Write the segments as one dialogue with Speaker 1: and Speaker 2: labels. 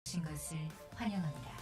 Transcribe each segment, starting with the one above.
Speaker 1: 신 것을 환영합니다.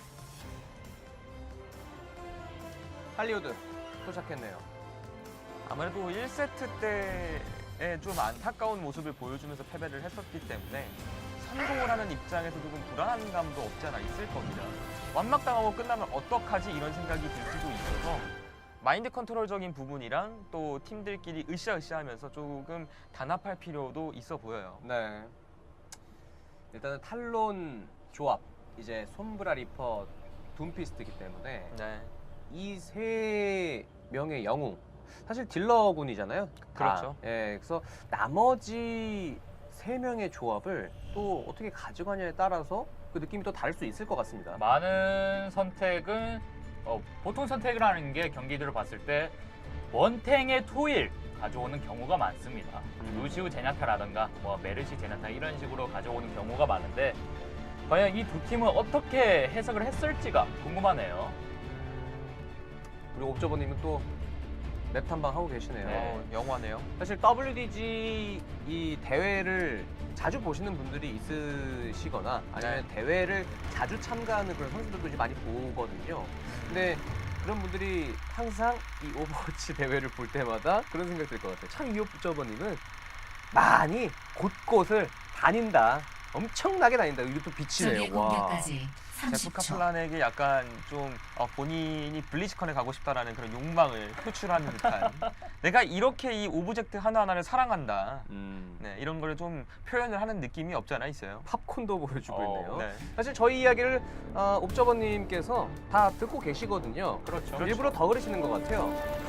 Speaker 2: 할리우드 도착했네요.
Speaker 3: 아무래도 1세트 때에 좀 안타까운 모습을 보여주면서 패배를 했었기 때문에 성공을 하는 입장에서 조금 불안한 감도 없지 않아 있을 겁니다. 완막당하고 끝나면 어떡하지 이런 생각이 들 수도 있어서 마인드 컨트롤적인 부분이랑 또 팀들끼리 으쌰으쌰하면서 조금 단합할 필요도 있어 보여요.
Speaker 2: 네. 일단은 탈론 조합, 이제 솜브라 리퍼, 둠피스트이기 때문에
Speaker 3: 네,
Speaker 2: 이 세 명의 영웅, 사실 딜러군이잖아요. 다.
Speaker 3: 그렇죠.
Speaker 2: 예, 그래서 나머지 세 명의 조합을 또 어떻게 가져가냐에 따라서 그 느낌이 또 다를 수 있을 것 같습니다.
Speaker 4: 많은 선택은 보통 선택을 하는 게 경기들을 봤을 때 원탱의 토일 가져오는 경우가 많습니다. 루시우 제냐타라든가 뭐 메르시 제냐타 이런 식으로 가져오는 경우가 많은데 과연 이 두 팀은 어떻게 해석을 했을지가 궁금하네요.
Speaker 2: 그리고 옵저버님은 또 맵 탐방 하고 계시네요.
Speaker 4: 네.
Speaker 3: 영화네요.
Speaker 2: 사실 WDG 이 대회를 자주 보시는 분들이 있으시거나 아니면 대회를 자주 참가하는 그런 선수들도 이제 많이 보거든요. 근데 그런 분들이 항상 이 오버워치 대회를 볼 때마다 그런 생각이 들 것 같아요. 참 이 옵저버님은 많이 곳곳을 다닌다. 엄청나게 다닌다. 이게 또
Speaker 1: 적의
Speaker 2: 빛이네요. 와.
Speaker 1: 공격까지
Speaker 3: 제프
Speaker 1: 30초.
Speaker 3: 카플란에게 약간 좀 본인이 블리즈컨에 가고 싶다라는 그런 욕망을 표출하는 듯한 내가 이렇게 이 오브젝트 하나하나를 사랑한다. 네, 이런 걸 좀 표현을 하는 느낌이 없지 않아 있어요.
Speaker 2: 팝콘도 보여주고 있네요.
Speaker 3: 네.
Speaker 2: 사실 저희 이야기를 옵저버님께서 다 듣고 계시거든요.
Speaker 4: 그렇죠.
Speaker 2: 일부러 더 그러시는 것 같아요.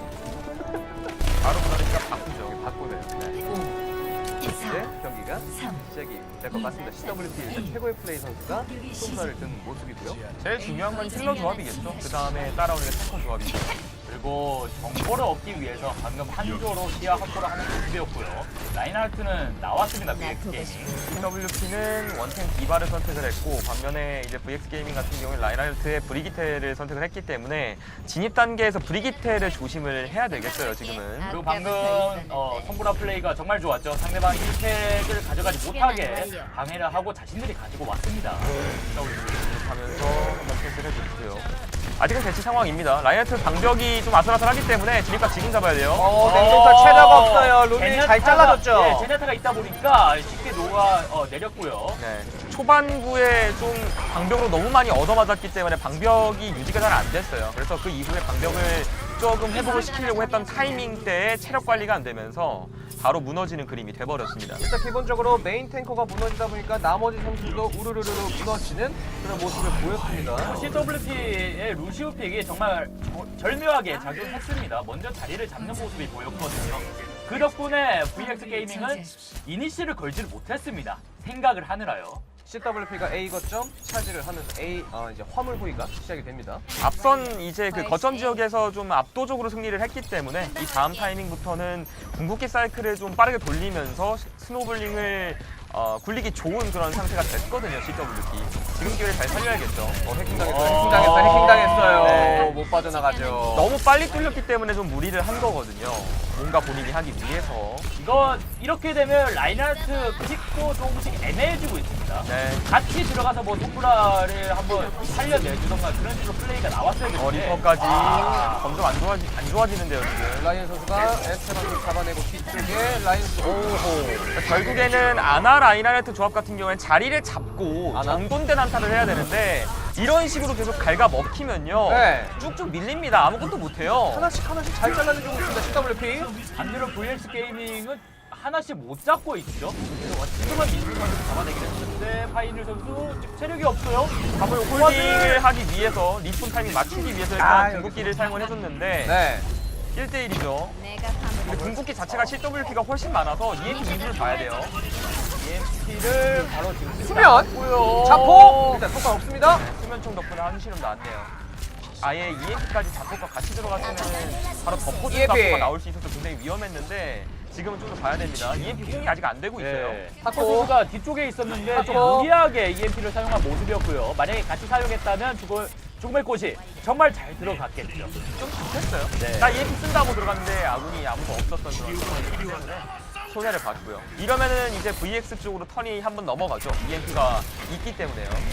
Speaker 3: 바로 그러니까 바꾸죠.
Speaker 2: 바꾸네요. 네.
Speaker 1: 4,
Speaker 2: 이제 경기가
Speaker 1: 3,
Speaker 2: 시작이 될 것 같습니다. CWP에서 최고의 플레이 선수가 솜사를 든 모습이고요.
Speaker 3: 제일 중요한 건 힐러 조합이겠죠. 그 다음에 따라오는 게 탱커 조합이죠.
Speaker 4: 그리고 정보를 얻기 위해서 방금 한조로 시야 확보를 하는 모습이었고요. 라인하르트는 나왔습니다. VX 게이밍.
Speaker 3: CWP는 원탱 디바를 선택을 했고 반면에 이제 VX 게이밍 같은 경우에 라인하르트의 브리기테를 선택을 했기 때문에 진입 단계에서 브리기테를 조심을 해야 되겠어요. 지금은.
Speaker 4: 그리고 방금 성브라 플레이가 정말 좋았죠. 상대방이 1팩을 가져가지 못하게 방해를 하고 자신들이 가지고 왔습니다.
Speaker 3: 하면서 한번 패스를 해줬고요. 아직은 대치 상황입니다. 라인하르트 방벽이 좀 아슬아슬하기 때문에 진입각 지금 잡아야 돼요.
Speaker 2: 냉동탈 최다가 없어요. 룰이 잘 잘라줬죠.
Speaker 4: 네, 제네타가 있다 보니까 쉽게 녹아 내렸고요.
Speaker 3: 네, 초반부에 좀 방벽으로 너무 많이 얻어맞았기 때문에 방벽이 유지가 잘 안 됐어요. 그래서 그 이후에 방벽을 조금 회복을 시키려고 했던 타이밍 때에 체력 관리가 안 되면서 바로 무너지는 그림이 돼버렸습니다.
Speaker 2: 일단 기본적으로 메인 탱커가 무너지다 보니까 나머지 선수도 우르르르 무너지는 그런 모습을 보였습니다.
Speaker 4: CWP의 루시우 픽이 정말 절묘하게 작용했습니다. 먼저 자리를 잡는 모습이 보였거든요. 그 덕분에 VX 게이밍은 이니시를 걸지를 못했습니다. 생각을 하느라요.
Speaker 2: CWP가 A 거점 차지를 하면서 이제 화물 호위가 시작이 됩니다.
Speaker 3: 앞선 이제 그 거점 지역에서 좀 압도적으로 승리를 했기 때문에 이 다음 타이밍부터는 궁극기 사이클을 좀 빠르게 돌리면서 스노블링을 굴리기 좋은 그런 상태가 됐거든요. CWP. 지금 기회를 잘 살려야겠죠.
Speaker 2: 해킹당했어요.
Speaker 3: 네.
Speaker 2: 못 빠져나가죠.
Speaker 3: 너무 빨리 뚫렸기 때문에 좀 무리를 한 거거든요. 뭔가 본인이 하기 위해서.
Speaker 4: 이거 이렇게 되면 라인하르트 픽도 조금씩 애매해지고 있습니다.
Speaker 3: 네.
Speaker 4: 같이 들어가서 뭐 톰브라를 한번 살려내주던가 그런 식으로 플레이가 나왔어야 되는데
Speaker 3: 리퍼까지 점점 안 좋아지는데요, 지금.
Speaker 2: 라이언 선수가 에스테반을 잡아내고 뒤쪽에 라이언 선수
Speaker 3: 결국에는 아나 라인하르트 조합 같은 경우에는 자리를 잡고
Speaker 2: 아나?
Speaker 3: 정돈된 한타를 해야 되는데 이런 식으로 계속 갉아 먹히면요.
Speaker 2: 네.
Speaker 3: 쭉쭉 밀립니다. 아무것도 못해요.
Speaker 2: 하나씩 잘 잘라내주고 있습니다. CWP.
Speaker 4: 반대로 VX 게이밍은 하나씩 못 잡고 있죠. 지금은 민수 선수 잡아내긴 했는데 파이널 선수 체력이 없어요.
Speaker 3: 답을 홀딩을 하기 위해서 리폰 타이밍 맞추기 위해서 일단 궁극기를 사용을 해줬는데
Speaker 2: 네.
Speaker 3: 1대1이죠. 근데 궁극기 자체가 CWP가 훨씬 많아서 EMP 이후를 봐야 돼요.
Speaker 4: EMP를 바로 지금
Speaker 2: 수면!
Speaker 4: 고요
Speaker 2: 자폭! 일단 성과 없습니다.
Speaker 3: 수면총 덕분에 한시름 나왔네요. 아예 EMP까지 자폭과 같이 들어갔으면 바로 덮어준
Speaker 2: EMP.
Speaker 3: 자폭가 나올 수 있어서 굉장히 위험했는데 지금은 좀 더 봐야 됩니다. EMP 공이 아직 안 되고 있어요.
Speaker 4: 타코 선수가 뒤쪽에 있었는데 좀
Speaker 2: 타코.
Speaker 4: 무리하게 EMP를 사용한 모습이었고요. 만약에 같이 사용했다면 죽음의 꽃이 정말 잘 들어갔겠죠.
Speaker 3: 좀 급했어요.
Speaker 4: 네.
Speaker 3: 나 EMP 쓴다고 들어갔는데 아군이 아무도 없었던 그런 상황이기 때문에 손해를 봤고요. 이러면은 이제 VX 쪽으로 턴이 한번 넘어가죠. EMP가 있기 때문에요.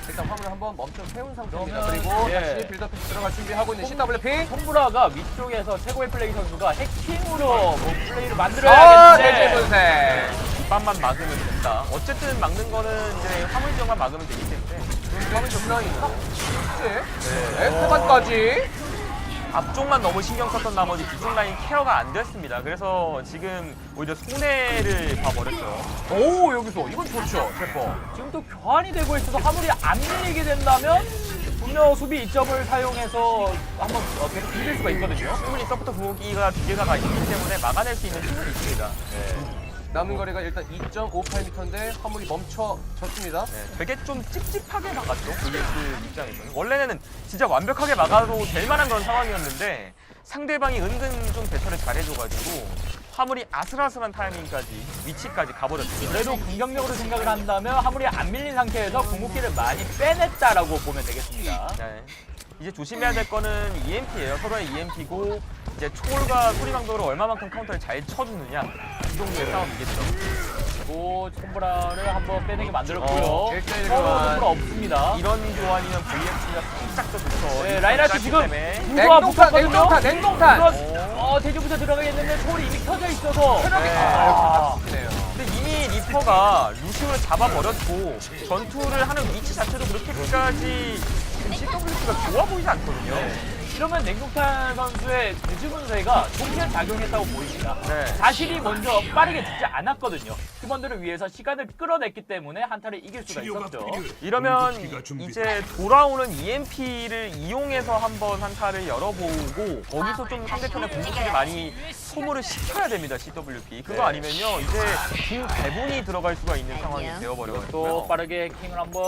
Speaker 2: 일단 화물을 한번 멈춰 세운 상태입니다.
Speaker 4: 그러면,
Speaker 2: 그리고
Speaker 4: 예.
Speaker 2: 다시 빌드업해서 들어갈 준비하고 있는 CWP.
Speaker 4: 손브라가 위쪽에서 최고의 플레이 선수가 해킹으로 뭐 플레이를
Speaker 2: 아,
Speaker 4: 만들어야겠는데
Speaker 2: 대제 분쇄.
Speaker 3: 뒷반만 막으면 된다. 어쨌든 막는 거는 이제 화물 지역만 막으면 되기 때문에
Speaker 2: 화물 정라인으로. 네. 태반까지.
Speaker 3: 앞쪽만 너무 신경 썼던 나머지 뒤쪽 라인 케어가 안 됐습니다. 그래서 지금 오히려 손해를 봐버렸어요.
Speaker 2: 오, 여기서 이건 좋죠. 제퍼.
Speaker 4: 지금 또 교환이 되고 있어서 화물이 안 밀리게 된다면 분명 수비 이점을 사용해서 한번 계속 비빌 수가 있거든요.
Speaker 3: 충분히 서포터 궁극기가 두 개가 있기 때문에 막아낼 수 있는 힘은 있습니다.
Speaker 2: 남은 거리가 일단 2.58m인데 화물이 멈춰졌습니다.
Speaker 3: 네, 되게 좀 찝찝하게 막았죠. VS 입장에서는. 원래는 진짜 완벽하게 막아도 될 만한 그런 상황이었는데 상대방이 은근 좀 대처를 잘해줘가지고 화물이 아슬아슬한 타이밍까지 위치까지 가버렸습니다.
Speaker 4: 그래도 긍정적으로 생각을 한다면 화물이 안 밀린 상태에서 궁극기를 많이 빼냈다라고 보면 되겠습니다.
Speaker 3: 네. 이제 조심해야 될 거는 EMP예요. 서로의 EMP고 이제 초월과 소리방벽으로 얼마만큼 카운터를 잘 쳐주느냐 이 정도의 싸움이겠죠.
Speaker 4: 그리고 손브라를 한번 빼내게 만들었고요.
Speaker 2: 일대일
Speaker 4: 서로
Speaker 2: 교환.
Speaker 4: 손브라 없습니다.
Speaker 3: 이런 교환이면 VX가 살짝 더 좋죠.
Speaker 4: 네, 라인하트 지금
Speaker 2: 냉동탄,
Speaker 4: 붙었거든요.
Speaker 2: 냉동탄, 냉동탄.
Speaker 4: 대지부터 들어가겠는데 초월이 이미 켜져 있어서
Speaker 3: 네.
Speaker 2: 네요.
Speaker 3: 근데 이미 리퍼가 루시오를 잡아버렸고 전투를 하는 위치 자체도 그렇게까지 지금 CWP가 좋아 보이지 않거든요.
Speaker 4: 이러면 냉동탄 선수의 대지분쇄가 동시에 작용했다고 보입니다.
Speaker 3: 네.
Speaker 4: 자신이 먼저 빠르게 죽지 않았거든요. 팀원들을 위해서 시간을 끌어냈기 때문에 한타를 이길 수가 있었죠.
Speaker 3: 이러면 이제 돌아오는 EMP를 이용해서 한번 한타를 열어보고 거기서 좀 상대편의 공격들이 많이 소모를 시켜야 됩니다. CWP. 그거 아니면요 이제 긴 배분이 들어갈 수가 있는 상황이
Speaker 4: 또
Speaker 3: 되어버려가지고요.
Speaker 4: 빠르게 킹을 한번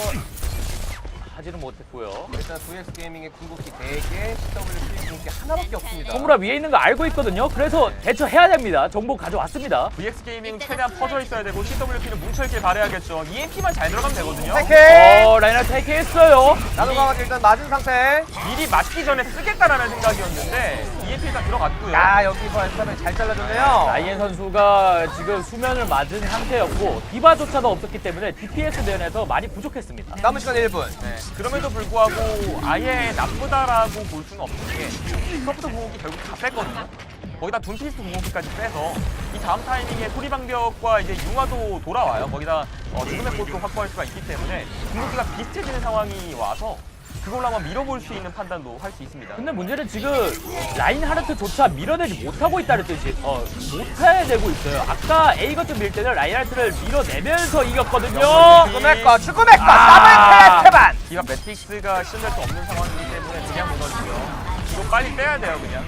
Speaker 4: 하지는 못했고요.
Speaker 2: 일단 VX 게이밍의 궁극기 4개, CWP 궁극기 하나밖에 없습니다.
Speaker 4: 손브라 위에 있는 거 알고 있거든요. 그래서 대처해야 됩니다. 정보 가져왔습니다.
Speaker 3: VX 게이밍 최대한 퍼져 있어야 되고 CWP는 뭉쳐있길 바라야겠죠. EMP만 잘 들어가면 되거든요.
Speaker 2: 테케!
Speaker 4: 라인을 테이크했어요.
Speaker 2: 나노강화가 일단 맞은 상태.
Speaker 3: 미리 맞기 전에 쓰겠다라는 생각이었는데 EMP가 들어갔고요.
Speaker 2: 야, 여기서 엔타를 잘 잘라줬네요.
Speaker 4: 라이엔 선수가 지금 수면을 맞은 상태였고 디바조차도 없었기 때문에 DPS 대전에서 많이 부족했습니다.
Speaker 2: 남은 시간 1분.
Speaker 3: 네, 그럼에도 불구하고 아예 나쁘다라고 볼 수는 없는 게 서부터 궁극기 결국 다 뺐거든요. 거기다 둠피스트 궁극기까지 빼서 이 다음 타이밍에 소리방벽과 이제 융화도 돌아와요. 거기다 죽음의 꽃도 확보할 수가 있기 때문에 궁극기가 비슷해지는 상황이 와서 그걸로 한번 밀어볼 수 있는 판단도 할 수 있습니다.
Speaker 4: 근데 문제는 지금 라인하르트조차 밀어내지 못하고 있다는 뜻이 못해내고 있어요. 아까 A 거점 밀 때는 라인하르트를 밀어내면서 이겼거든요.
Speaker 2: 죽음의 거, 죽음의 거,
Speaker 3: 아!
Speaker 2: 더블 태반!
Speaker 3: 기가 매틱스가 실현될 수 없는 상황이기 때문에 그냥 무너지고요. 이거 빨리 빼야 돼요, 그냥.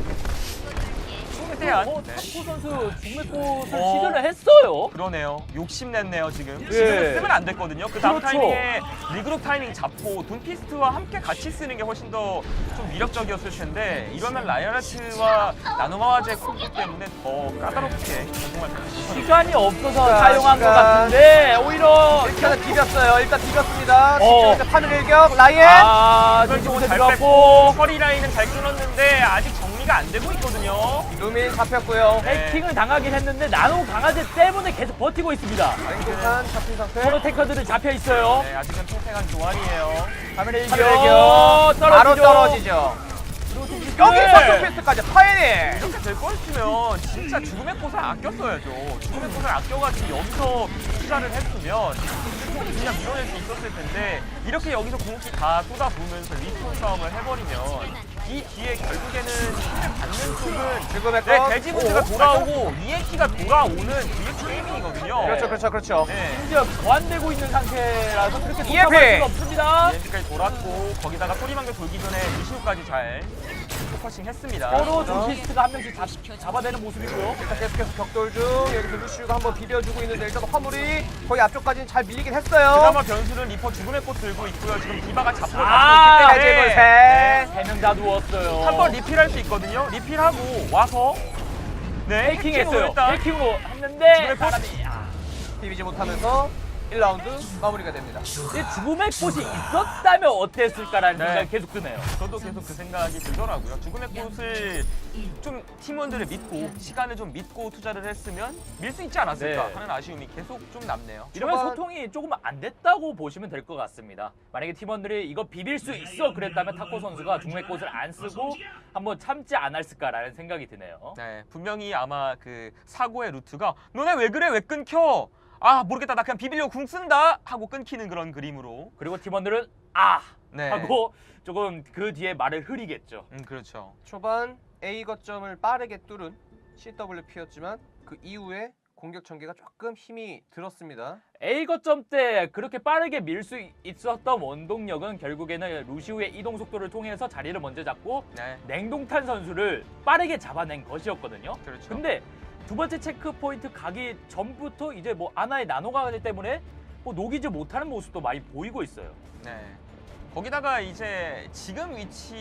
Speaker 3: 최대한. 네.
Speaker 4: 탁구 선수 죽음의 꽃을 시전을 했어요.
Speaker 3: 그러네요. 욕심냈네요, 지금.
Speaker 4: 예.
Speaker 3: 지금은 쓰면 안 됐거든요. 그 다음
Speaker 4: 그렇죠.
Speaker 3: 타이밍에 리그룹 타이밍 잡고 둠피스트와 함께 같이 쓰는 게 훨씬 더 좀 위력적이었을 텐데 이러면 라이언하트와 나노마와제 콤보 때문에 더 까다롭게 정말
Speaker 4: 시간이 없어서
Speaker 2: 자,
Speaker 4: 사용한 것
Speaker 2: 시간.
Speaker 4: 같은데 오히려
Speaker 2: 일단은 비볐어요. 일단 비볐습니다.
Speaker 4: 어.
Speaker 2: 뒤쪽에서 판을 일격, 라이엔!
Speaker 3: 이걸 좀
Speaker 4: 뒤집어
Speaker 3: 잘
Speaker 4: 들어갔고
Speaker 3: 뺐고 처리 라인은 잘 끊었는데 아직 정리가 안 되고 있거든요.
Speaker 2: 루민 잡혔고요.
Speaker 3: 네.
Speaker 4: 해킹을 당하긴 했는데 나노 강아지 때문에 계속 버티고 있습니다.
Speaker 2: 냉동탄 잡힌 상태.
Speaker 4: 서로 테커들은 잡혀 있어요.
Speaker 3: 네, 아직은 팽팽한 교환이에요.
Speaker 4: 카메라
Speaker 2: 판을 일격, 바로 떨어지죠. 여기서 투피스트까지 파이닝!
Speaker 3: 이렇게 될 거였으면 진짜 죽음의 꽃을 아꼈어야죠. 죽음의 꽃을 아껴가지고 여기서 투자를 했으면 충분히 그냥 밀어낼 수 있었을 텐데 이렇게 여기서 궁극기 다 쏟아부으면서 리스폰 싸움을 해버리면 이 뒤에 결국에는 힘을 받는 쪽은
Speaker 2: 죽음의
Speaker 3: 네,
Speaker 2: 거.
Speaker 3: 대지문제가 돌아오고 EMP가 돌아오는 VX 게이밍이거든요.
Speaker 2: 그렇죠.
Speaker 3: 네.
Speaker 4: 심지어 보완되고 있는 상태라서 그렇게
Speaker 2: EMP!
Speaker 4: 독점할 수가 없습니다.
Speaker 3: EMP까지 돌았고 거기다가 소리방벽 돌기 전에 루시오까지 잘 포커싱 했습니다.
Speaker 4: 서로 둠피스트가 한 명씩 잡아내는 모습이고요.
Speaker 2: 일단 계속해서 격돌 중. 여기서 루시우가 한번 비벼주고 있는데 일단 화물이 거의 앞쪽까지는 잘 밀리긴 했어요.
Speaker 3: 그나마 변수는 리퍼 죽음의 꽃 들고 있고요. 지금 디바가 잡고
Speaker 4: 아,
Speaker 3: 있기 때문에
Speaker 2: 세.
Speaker 4: 3명 다 누웠어요.
Speaker 3: 한 번 리필할 수 있거든요. 리필하고 와서 네
Speaker 4: 해킹했어요.
Speaker 3: 일단
Speaker 4: 해킹으로 했는데
Speaker 3: 죽음의 꽃.
Speaker 4: 사람이
Speaker 2: 비비지 못하면서 1라운드 마무리가 됩니다.
Speaker 4: 근데 죽음의 꽃이 있었다면 어땠을까라는
Speaker 3: 네.
Speaker 4: 생각이 계속 드네요.
Speaker 3: 저도 계속 그 생각이 들더라고요. 죽음의 꽃을 좀 팀원들을 믿고 시간을 좀 믿고 투자를 했으면 밀 수 있지 않았을까
Speaker 4: 네.
Speaker 3: 하는 아쉬움이 계속 좀 남네요.
Speaker 4: 이러면
Speaker 2: 초반-
Speaker 4: 소통이 조금 안 됐다고 보시면 될 것 같습니다. 만약에 팀원들이 이거 비빌 수 있어 그랬다면 타코 선수가 죽음의 꽃을 안 쓰고 한번 참지 않았을까라는 생각이 드네요.
Speaker 3: 네, 분명히 아마 그 사고의 루트가 너네 왜 그래 왜 끊겨? 아 모르겠다 나 그냥 비빌려 궁 쓴다 하고 끊기는 그런 그림으로.
Speaker 4: 그리고 팀원들은 아
Speaker 3: 네.
Speaker 4: 하고 조금 그 뒤에 말을 흐리겠죠.
Speaker 3: 그렇죠.
Speaker 2: 초반 A 거점을 빠르게 뚫은 CWP였지만 그 이후에 공격 전개가 조금 힘이 들었습니다.
Speaker 4: A 거점 때 그렇게 빠르게 밀 수 있었던 원동력은 결국에는 루시우의 이동 속도를 통해서 자리를 먼저 잡고
Speaker 3: 네,
Speaker 4: 냉동탄 선수를 빠르게 잡아낸 것이었거든요.
Speaker 3: 그렇죠.
Speaker 4: 근데 두 번째 체크 포인트 가기 전부터 이제 뭐 아나의 나노가 때문에 뭐 녹이지 못하는 모습도 많이 보이고 있어요.
Speaker 3: 네. 거기다가 이제 지금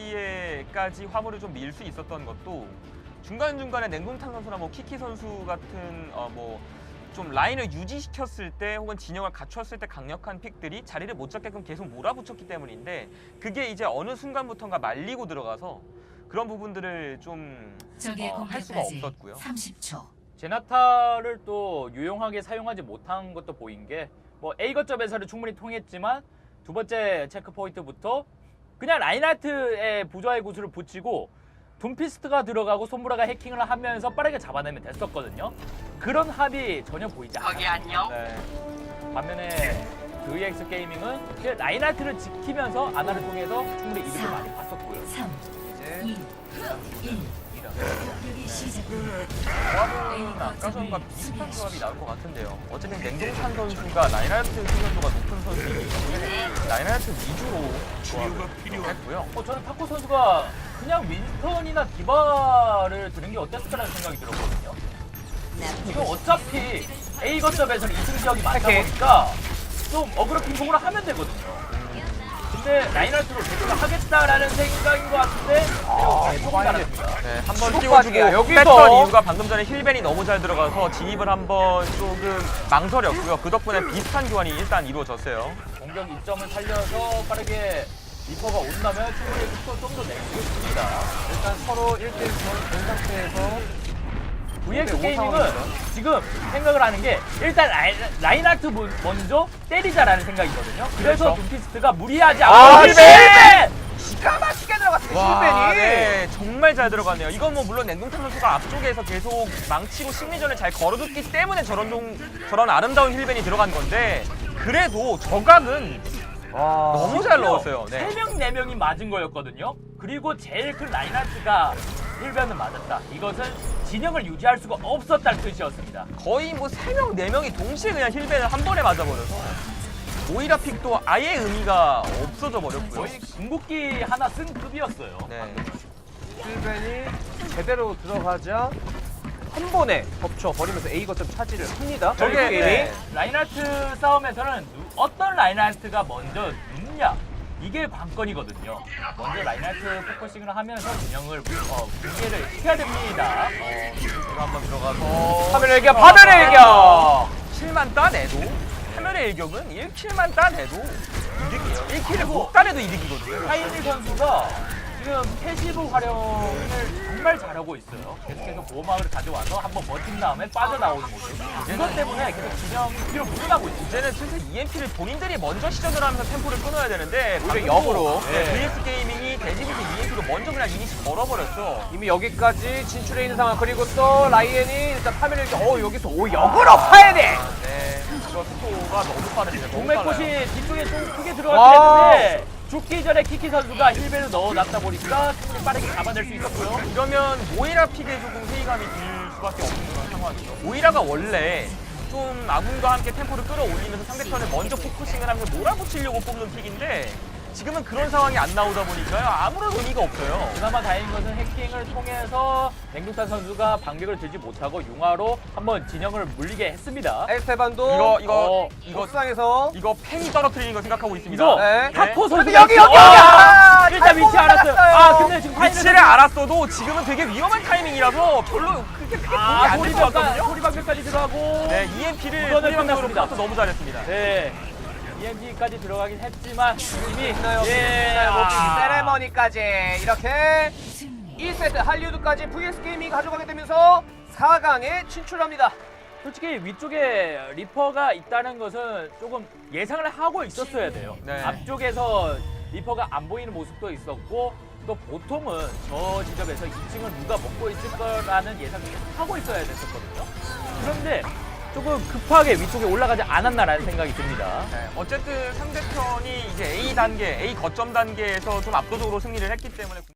Speaker 3: 위치에까지 화물을 좀 밀 수 있었던 것도 중간중간에 냉동탄 선수나 뭐 키키 선수 같은 뭐 좀 라인을 유지시켰을 때 혹은 진영을 갖췄을 때 강력한 픽들이 자리를 못 잡게끔 계속 몰아붙였기 때문인데 그게 이제 어느 순간부터인가 말리고 들어가서 그런 부분들을 좀
Speaker 1: 적의
Speaker 3: 할 수가
Speaker 1: 공격까지
Speaker 3: 없었고요.
Speaker 1: 30초.
Speaker 4: 제나타를 또 유용하게 사용하지 못한 것도 보인 게 뭐 A 거점에서는 충분히 통했지만 두 번째 체크 포인트부터 그냥 라인하트의 부좌의 구슬을 붙이고 둠피스트가 들어가고 손무라가 해킹을 하면서 빠르게 잡아내면 됐었거든요. 그런 합이 전혀 보이지 않아요.
Speaker 3: 네.
Speaker 4: 반면에 VX 게이밍은 그냥 라인하트를 지키면서 아나를 통해서 충분히 이득을 많이 봤었고요.
Speaker 1: 3,
Speaker 2: 이제
Speaker 1: 2, 1. 공격이 시작됩니다.
Speaker 3: 조합은 아까 전과 비슷한 조합이 나올 것 같은데요. 어쨌든 냉동탄 선수가 라인하르트 생존도가 높은 선수이기 때문에 라인하르트 위주로 조합을 했고요.
Speaker 4: 저는 타코 선수가 그냥 윈스턴이나 디바를 드는 게 어땠을까라는 생각이 들었거든요. 이거 어차피 A 거점에서는 이승 지역이 많다
Speaker 2: 오케이.
Speaker 4: 보니까 좀 어그로 핑퐁으로 하면 되거든요. 근데 라인하르트로 대처를 하겠다라는 생각인 것 같은데 계속 잘합니다.
Speaker 3: 네, 한번
Speaker 2: 축복받기야.
Speaker 3: 띄워주고
Speaker 2: 여기서.
Speaker 3: 뺐던 이유가 방금 전에 힐벤이 너무 잘 들어가서 진입을 한번 조금 망설였고요. 그 덕분에 비슷한 교환이 일단 이루어졌어요.
Speaker 4: 공격 이점을 살려서 빠르게 리퍼가 온다면 충분히 속도 좀 더 낼 수 있습니다.
Speaker 2: 일단 서로 1대1 된 상태에서
Speaker 4: VX
Speaker 2: 네,
Speaker 4: 게이밍은
Speaker 2: 상황이죠.
Speaker 4: 지금 생각을 하는 게 일단 라인하트 먼저 때리자라는 생각이거든요. 그래서
Speaker 2: 그렇죠.
Speaker 4: 둠피스트가 무리하지
Speaker 2: 아,
Speaker 4: 않고
Speaker 2: 힐벤! 기가 막히게 들어갔어요,
Speaker 3: 와,
Speaker 2: 실벤이.
Speaker 3: 네, 정말 잘 들어가네요. 이건 뭐 물론 냉동탄 선수가 앞쪽에서 계속 망치고 심리전을 잘 걸어줬기 때문에 저런 아름다운 힐벤이 들어간 건데 그래도 저각은
Speaker 2: 와.
Speaker 3: 너무 잘 넣었어요. 네.
Speaker 4: 3명, 4명이 맞은 거였거든요. 그리고 제일 큰 라인하트가 힐변을 맞았다. 이것은 진영을 유지할 수가 없었다는 뜻이었습니다.
Speaker 3: 거의 뭐 3명, 4명이 동시에 그냥 힐벤을 한 번에 맞아버려서 오히려 픽도 아예 의미가 없어져 버렸고요.
Speaker 4: 거의 궁극기 하나 쓴 급이었어요.
Speaker 3: 네.
Speaker 2: 실벤이 제대로 들어가자 한 번에 덮쳐버리면서 A 거점 차지를 합니다.
Speaker 3: 저게,
Speaker 2: VX 게이밍.
Speaker 3: 네.
Speaker 4: 라인하트 싸움에서는 어떤 라인하트가 먼저 눕냐 이게 관건이거든요. 먼저 라인하트 포커싱을 하면서 진영을 붕괴를 시켜야 됩니다.
Speaker 3: 이거 한번 들어가서
Speaker 2: 화면의 일격, 화면의 일격!
Speaker 3: 7만 따내도 화면의 일격은 1킬만 따내도 이득이에요. 1킬을 못 따내도 이득이거든요.
Speaker 4: 하이니 선수가 지금 패시브 활용을 정말 잘하고 있어요. 계속해서 보호막을 가져와서 한번 버틴 다음에 빠져나오는 모습. 이것 때문에 계속 진영 뒤로 물러나고 있습니다.
Speaker 3: 이제는 슬슬 EMP를 본인들이 먼저 시전을 하면서 템포를 끊어야 되는데
Speaker 2: 오히려
Speaker 3: 방금도
Speaker 2: 역으로.
Speaker 3: 네,
Speaker 4: 네.
Speaker 3: VX 게이밍이 대지부터 EMP로 먼저 그냥 이니시 걸어버렸죠.
Speaker 2: 이미 여기까지 진출해 있는 상황. 그리고 또 라이엔이 일단 화면을 일격. 여기서 역으로 파야 돼!
Speaker 3: 네, 이거 속도가 너무 빠릅니다. 너무 빨라요.
Speaker 4: 동맥꽃이 뒤쪽에 좀 크게
Speaker 2: 와.
Speaker 4: 들어갔긴 했는데 죽기 전에 키키 선수가 힐벨을 넣어놨다 보니까 충분히 빠르게 잡아낼 수 있었고요.
Speaker 3: 이러면 모이라 픽에 조금 회의감이 들 수밖에 없는 그런 상황이죠. 모이라가 원래 좀 아군과 함께 템포를 끌어올리면서 상대편을 먼저 포커싱을 하면서 몰아붙이려고 뽑는 픽인데 지금은 그런 상황이 안 나오다 보니까요. 아무런 의미가 없어요.
Speaker 4: 그나마 다행인 것은 해킹을 통해서 맹독탄 선수가 방벽을 들지 못하고 융화로 한번 진영을 물리게 했습니다.
Speaker 2: 에스테반도
Speaker 3: 이거
Speaker 2: 옥상에서
Speaker 3: 팬이 떨어뜨리는 거 생각하고 있습니다.
Speaker 4: 이거
Speaker 2: 네.
Speaker 4: 타코 선수
Speaker 2: 여기
Speaker 4: 일단 위치 알았어요. 아 근데 지금
Speaker 3: 위치를 알았어도 지금은 되게 위험한 타이밍이라서 별로 크게 도움이 안 될 것 같거든요.
Speaker 4: 소리방벽까지 들어가고
Speaker 3: 네, EMP를
Speaker 4: 우선은
Speaker 3: 소리방벽으로
Speaker 4: 끝났습니다.
Speaker 3: 카운터 너무 잘했습니다.
Speaker 4: 네. EMG까지 들어가긴 했지만 이미
Speaker 2: 세레머니까지 이렇게
Speaker 1: 승리.
Speaker 2: 1세트 할리우드까지 VS 게이밍이 가져가게 되면서 4강에 진출합니다.
Speaker 4: 솔직히 위쪽에 리퍼가 있다는 것은 조금 예상을 하고 있었어야 돼요.
Speaker 3: 네.
Speaker 4: 앞쪽에서 리퍼가 안 보이는 모습도 있었고 또 보통은 저 지점에서 2층을 누가 먹고 있을 거라는 예상을 하고 있어야 됐었거든요. 그런데 조금 급하게 위쪽에 올라가지 않았나라는 생각이 듭니다.
Speaker 3: 네, 어쨌든 상대편이 이제 A 단계, A 거점 단계에서 좀 압도적으로 승리를 했기 때문에